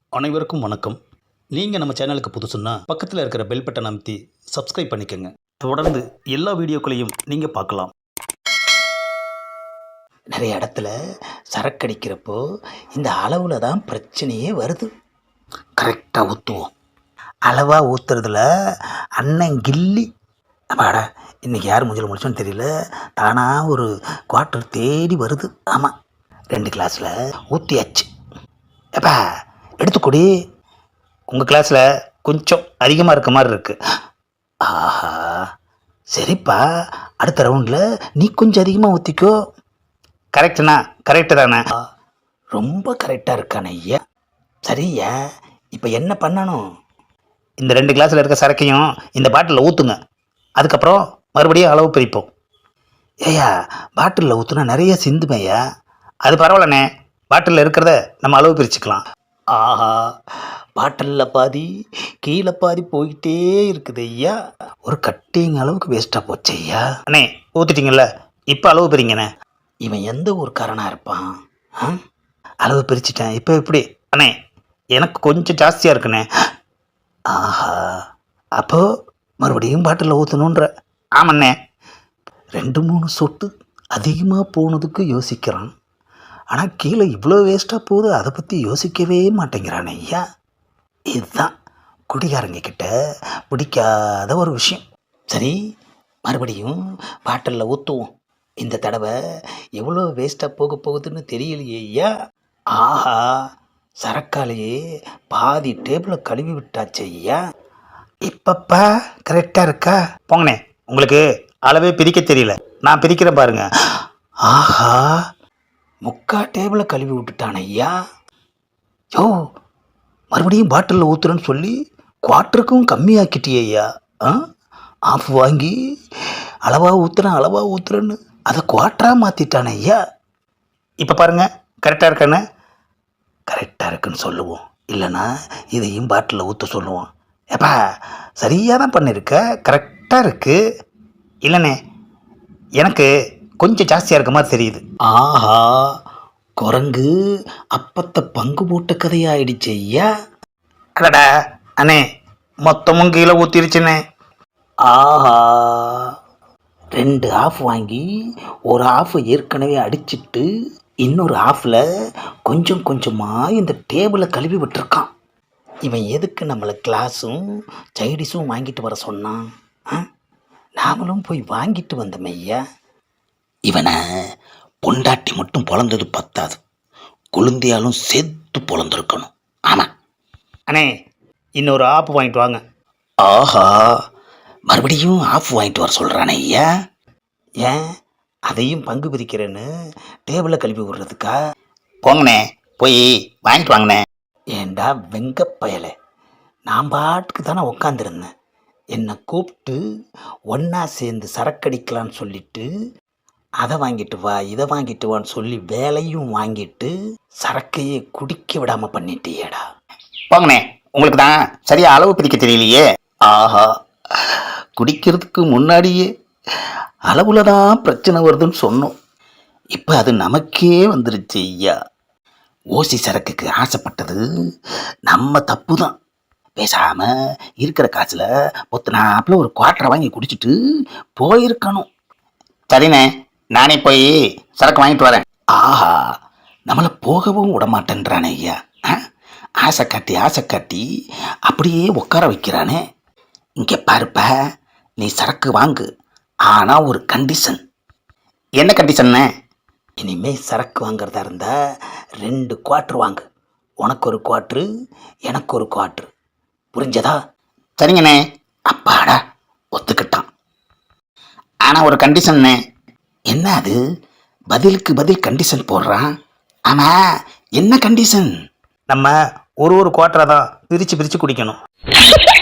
அனைவருக்கும் வணக்கம். நீங்கள் நம்ம சேனலுக்கு புதுசுன்னா பக்கத்தில் இருக்கிற பெல் பட்டன் அமைத்தி சப்ஸ்கிரைப் பண்ணிக்கோங்க. தொடர்ந்து எல்லா வீடியோக்களையும் நீங்கள் பார்க்கலாம். நிறைய இடத்துல சரக்கடிக்கிறப்போ இந்த அளவில் தான் பிரச்சனையே வருது. கரெக்டாக ஊற்றுவோம். அளவாக ஊற்றுறதுல அண்ணன் கில்லி. அப்பாடா, இன்றைக்கி யார் மூஞ்சில் முடிச்சோன்னு தெரியல, தானாக ஒரு குவார்ட்டர் தேடி வருது. ஆமாம், 2 கிளாஸில் ஊற்றியாச்சு. எப்பா எடுத்துக்கூடி, உங்கள் கிளாஸில் கொஞ்சம் அதிகமாக இருக்க மாதிரி இருக்குது. ஆஹா, சரிப்பா, அடுத்த ரவுண்டில் நீ கொஞ்சம் அதிகமாக ஊற்றிக்கோ. கரெக்டுண்ணா, கரெக்டு தானே? ரொம்ப கரெக்டாக இருக்கானே ஐயா. சரியா, இப்போ என்ன பண்ணணும்? இந்த 2 கிளாஸில் இருக்க சரக்கையும் இந்த பாட்டிலில் ஊற்றுங்க. அதுக்கப்புறம் மறுபடியும் அளவு பிரிப்போம். ஏய்யா, பாட்டிலில் ஊற்றுனா நிறைய சிந்துமையா. அது பரவாயில்லண்ணே, பாட்டிலில் இருக்கிறத நம்ம அளவு பிரிச்சுக்கலாம். ஆஹா, பாட்டிலில் பாதி கீழே பாதி போயிட்டே இருக்குது ஐயா. ஒரு கட்டிங் அளவுக்கு வேஸ்ட்டாக போச்சு ஐயா. அண்ணே ஊற்றிட்டீங்கல்ல, இப்போ அளவு பிரிங்கண்ணே. இவன் எந்த ஊருக்காரனாக இருப்பான்? அளவு பிரிச்சுட்டேன், இப்போ எப்படி? அண்ணே எனக்கு கொஞ்சம் ஜாஸ்தியாக இருக்குண்ணே. ஆஹா, அப்போ மறுபடியும் பாட்டிலில் ஊற்றணுன்ற. ஆமாண்ணே, 2-3 சொட்டு அதிகமாக போனதுக்கு யோசிக்கிறான். ஆனால் கீழே இவ்வளோ வேஸ்ட்டாக போகுது, அதை பற்றி யோசிக்கவே மாட்டேங்கிறான் ஐயா. இதுதான் குடிகாரங்க கிட்ட பிடிக்காத ஒரு விஷயம். சரி, மறுபடியும் பாட்டிலில் ஊற்றுவோம். இந்த தடவை எவ்வளோ வேஸ்ட்டாக போக போகுதுன்னு தெரியலையே ஐயா. ஆஹா, சரக்காலேயே பாதி டேபிளை கழுவி விட்டாச்சு ஐயா. இப்பப்பா கரெக்டாக இருக்கா? போங்கண்ணே, உங்களுக்கு அளவே பிரிக்க தெரியல, நான் பிரிக்கிறேன் பாருங்க. ஆஹா, 3/4 டேபிளை கழுவி விட்டுட்டான் ஐயா. யோ, மறுபடியும் பாட்டிலில் ஊற்றுறேன்னு சொல்லி குவார்ட்டருக்கும் கம்மியாக்கிட்டியே ஐயா. ஆஃப் வாங்கி அளவாக ஊற்றுறேன்னு அதை குவார்ட்டராக மாற்றிட்டானே ஐயா. இப்போ பாருங்க, கரெக்டாக இருக்கானே? கரெக்டாக இருக்குன்னு சொல்லுவோம், இல்லைன்னா இதையும் பாட்டிலில் ஊற்ற சொல்லுவோம். ஏப்பா, சரியாக தான் பண்ணியிருக்க, கரெக்டாக இருக்குது. இல்லைண்ணே, எனக்கு கொஞ்சம் ஜாஸ்தியாக இருக்க மாதிரி தெரியுது. ஆஹா, குரங்கு அப்பத்தை பங்கு போட்ட கதையாயிடுச்சு ஐயா. அடடா அண்ணே, மொத்தமும் கீழே ஊற்றிருச்சுண்ணே. ஆஹா, 2 ஆஃப் வாங்கி ஒரு ஆஃப் ஏற்கனவே அடிச்சிட்டு இன்னொரு ஆஃபில் கொஞ்சம் கொஞ்சமாக இந்த டேபிளை கழுவி விட்டுருக்கான். இவன் எதுக்கு நம்மளை கிளாஸும் சைடிஸும் வாங்கிட்டு வர சொன்னான்? நாமளும் போய் வாங்கிட்டு வந்தோம் ஐயா. இவனை பொண்டாட்டி மட்டும் பொழந்தது பத்தாது, குழந்தையாலும் சேர்த்து பொழந்திருக்கணும். ஆமாம் அண்ணே, இன்னொரு ஆஃப் வாங்கிட்டு வாங்க. ஆஹா, மறுபடியும் ஆஃப் வாங்கிட்டு வர சொல்கிறானே ஐயா. ஏன் அதையும் பங்கு பிரிக்கிறேன்னு டேபிளை கழுவி விடுறதுக்கா? போங்கண்ணே, போய் வாங்கிட்டு வாங்கண்ணே. ஏண்டா வெங்கப்பயலை, நான் பாட்டுக்கு தானே உக்காந்துருந்தேன். என்னை கூப்பிட்டு ஒன்றா சேர்ந்து சரக்கடிக்கலான்னு சொல்லிட்டு அதை வாங்கிட்டு வா இதை வாங்கிட்டு வான்னு சொல்லி வேலையும் வாங்கிட்டு சரக்கையே குடிக்க விடாமல் பண்ணிட்டியேடா. போங்கண்ணே, உங்களுக்கு தான் சரியாக அளவு பிரிக்க தெரியலையே. ஆஹா, குடிக்கிறதுக்கு முன்னாடியே அளவுல தான் பிரச்சனை வருதுன்னு சொன்னோம், இப்போ அது நமக்கே வந்துருச்சு ஐயா. ஓசி சரக்குக்கு ஆசைப்பட்டது நம்ம தப்பு தான். பேசாமல் இருக்கிற காசில் நாப்பில் ஒரு குவார்ட்டரை வாங்கி குடிச்சிட்டு போயிருக்கணும். சரிண்ணே, நானே போய் சரக்கு வாங்கிட்டு வரேன். ஆஹா, நம்மளை போகவும் விட மாட்டேன்றானே ஐயா. ஆசை காட்டி அப்படியே உட்கார வைக்கிறானே. இங்கே பாருப்ப, நீ சரக்கு வாங்கு, ஆனால் ஒரு கண்டிஷன். என்ன கண்டிஷன்னு? இனிமே சரக்கு வாங்கிறதா இருந்தால் 2 குவார்ட்டர் வாங்கு. உனக்கு ஒரு குவார்ட்ரு, எனக்கு ஒரு குவார்ட்ரு. புரிஞ்சதா? சரிங்கண்ணே. அப்பாடா, ஒத்துக்கிட்டான். ஆனால் ஒரு கண்டிஷன்னு. என்ன அது? பதிலுக்கு பதில் கண்டிஷன் போடுறான். ஆமாம், என்ன கண்டிஷன்? நம்ம ஒரு குவார்ட்டரை தான் பிரித்து குடிக்கணும்.